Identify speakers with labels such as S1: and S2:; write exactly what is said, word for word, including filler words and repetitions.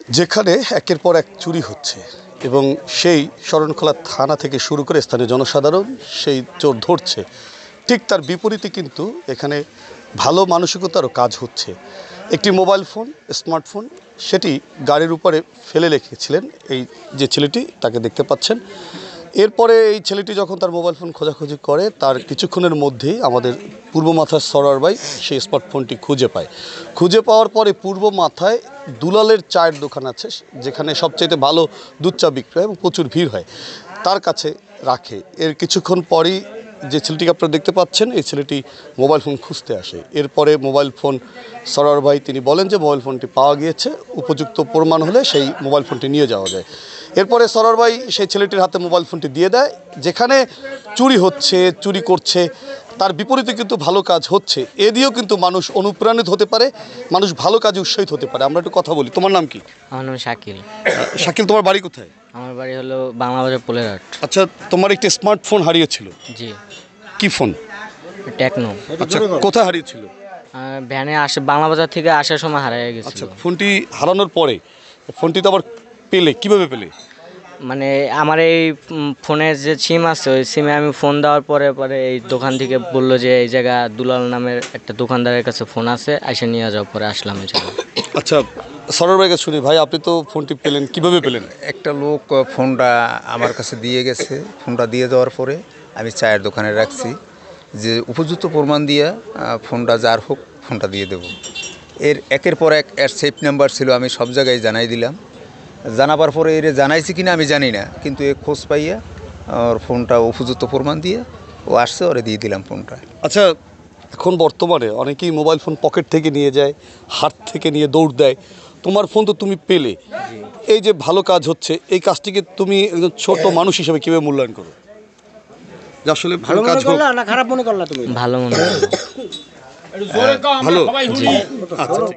S1: যেখানে একের পর এক চুরি হচ্ছে এবং সেই শরণখোলা থানা থেকে শুরু করে স্থানীয় জনসাধারণ সেই চোর ধরছে, ঠিক তার বিপরীতে কিন্তু এখানে ভালো মানসিকতারও কাজ হচ্ছে। একটি মোবাইল ফোন, স্মার্টফোন, সেটি গাড়ির উপরে ফেলে রেখেছিলেন এই যে ছেলেটি, তাকে দেখতে পাচ্ছেন। এরপরে এই ছেলেটি যখন তার মোবাইল ফোন খোঁজাখুঁজি করে, তার কিছুক্ষণের মধ্যেই আমাদের পূর্ব মাথার সরার ভাই সেই স্মার্টফোনটি খুঁজে পায়। খুঁজে পাওয়ার পরে পূর্ব মাথায় দুলালের চায়ের দোকান আছে, যেখানে সবচেয়ে ভালো দুধ চা বিক্রি হয় এবং প্রচুর ভিড় হয়, তার কাছে রাখে। এর কিছুক্ষণ পরই যে ছেলেটিকে আপনারা দেখতে পাচ্ছেন, এই ছেলেটি মোবাইল ফোন খুঁজতে আসে। এরপরে মোবাইল ফোন সরার ভাই তিনি বলেন যে মোবাইল ফোনটি পাওয়া গিয়েছে, উপযুক্ত প্রমাণ হলে সেই মোবাইল ফোনটি নিয়ে যাওয়া যায়। এরপরে সরার ভাই সেই ছেলেটির হাতে মোবাইল ফোনটি দিয়ে দেয়। যেখানে চুরি হচ্ছে, চুরি করছে, তার বিপরীতে কিন্তু ভালো কাজ হচ্ছে। এ দিয়েও কিন্তু মানুষ অনুপ্রাণিত হতে পারে, মানুষ ভালো কাজে উৎসাহিত হতে পারে। আমরা একটু কথা বলি। তোমার নাম কি?
S2: আমার নাম শাকিল।
S1: শাকিল, তোমার বাড়ি কোথায়?
S2: আমার বাড়ি হলো বাংলাবাজার পোলেরহাট।
S1: আচ্ছা, তোমার একটি স্মার্টফোন হারিয়েছিল।
S2: জি।
S1: কি ফোন?
S2: টেকনো।
S1: আচ্ছা, কোথায় হারিয়েছিল?
S2: আর ভ্যানে আসে বাংলাবাজার থেকে আসার সময় হারিয়ে গেছিল।
S1: আচ্ছা, ফোনটি হারানোর পরে ফোনটি তো আবার পেলে, কিভাবে পেলে?
S2: মানে আমার এই উম, ফোনের যে সিম আছে, ওই সিমে আমি ফোন দেওয়ার পরে পরে এই দোকান থেকে বললো যে এই জায়গা দুলাল নামের একটা দোকানদারের কাছে ফোন আছে, এসে নিয়ে যাওয়ার পরে আসলাম এই জায়গায়।
S1: আচ্ছা, সরার ভাইকে শুনি। ভাই, আপনি তো ফোনটি পেলেন, কিভাবে পেলেন?
S3: একটা লোক ফোনটা আমার কাছে দিয়ে গেছে। ফোনটা দিয়ে দেওয়ার পরে আমি চায়ের দোকানে রাখছি, যে উপযুক্ত প্রমাণ দিয়ে ফোনটা যার হোক ফোনটা দিয়ে দেব। এর একের পর এক এর সেফ নাম্বার ছিল, আমি সব জায়গায় জানাই দিলাম। জানাবার পরে এর জানাইছি কিনা আমি জানি না, কিন্তু এ খোঁজ পাইয়া ওর ফোনটা উপযুক্ত প্রমাণ দিয়ে ও আসছে, ওরে দিয়ে দিলাম ফোনটা।
S1: আচ্ছা, এখন বর্তমানে অনেকেই মোবাইল ফোন পকেট থেকে নিয়ে যায়, হাত থেকে নিয়ে দৌড় দেয়। তোমার ফোন তো তুমি পেলে, এই যে ভালো কাজ হচ্ছে, এই কাজটিকে তুমি একজন ছোট মানুষ হিসেবে কীভাবে মূল্যায়ন করো? যে আসলে ভালো কাজ হোক,
S4: না খারাপ মনে করলা তুমি?
S2: ভালো মনে হয়।
S1: ভালো। আচ্ছা।